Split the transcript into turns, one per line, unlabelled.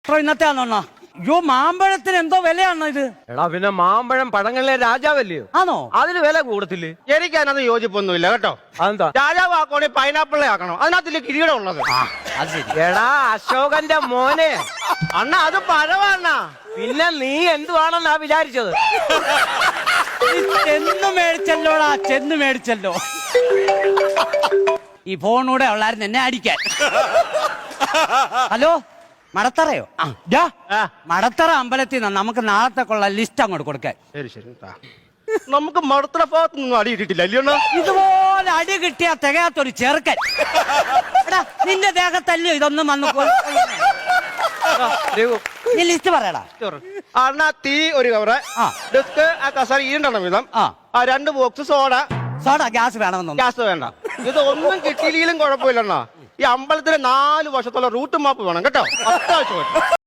ഇന്നത്തെ ആണോ? അയ്യോ, മാമ്പഴത്തിന് എന്തോ വിലയാണോ ഇത്?
എടാ പിന്നെ മാമ്പഴം പഴങ്ങളിലെ രാജാവല്ലയോ,
ആണോ?
അതിന് വില കൂടത്തില്ലേ?
എനിക്ക് അതിനകത്ത് യോജിപ്പൊന്നുമില്ല കേട്ടോ.
അതെന്താ?
രാജാവ് ആക്കണേ പൈനാപ്പിളെ ആക്കണം, അതിനകത്തില്ലേ കിരീടം ഉള്ളത്.
അത് ശരി.
എടാ അശോകന്റെ മോനെ,
അണ്ണ അത് പഴവണ്ണ.
പിന്നെ നീ എന്തുവാണെന്നാ വിചാരിച്ചത്?
ചെന്ന് മേടിച്ചല്ലോടാ, ചെന്ന് മേടിച്ചല്ലോ. ഈ ഫോണൂടെ ഉള്ളായിരുന്നു എന്നെ അടിക്കാൻ. ഹലോ, മടത്തറയോ? മടത്തറ അമ്പലത്തിൽ നിന്ന് നമുക്ക് നാളത്തേക്കുള്ള ലിസ്റ്റ് അങ്ങോട്ട് കൊടുക്കാൻ.
ശരി ശരി. നമുക്ക് മടത്തറ ഭാഗത്ത് നിന്നും അടി ഇട്ടിട്ടില്ല അല്ലയോ?
ഇതുപോലെ അടി കിട്ടിയാ തികയാത്തൊരു ചെറുക്കൻ. എടാ, നിന്റെ ദേഹത്തല്ലോ ഇതൊന്നും വന്നു. നീ ലിസ്റ്റ് പറയടാ.
അണ്ണ തീ ഒരു കവറ്, ഡെസ്ക് ആ കസേര ഈണ്ടെണ്ണം വീതം, 2 ബോക്സ് സോഡ.
സോഡ ഗ്യാസ് വേണമെന്നോ?
ഗ്യാസ് വേണ്ട. ഇതൊന്നും കിട്ടിയില്ലെങ്കിലും കുഴപ്പമില്ലണ്ണ. ഈ അമ്പലത്തിലെ 4 വർഷത്തോളം റൂട്ട് മാപ്പ് വേണം കേട്ടോ, അത്യാവശ്യം.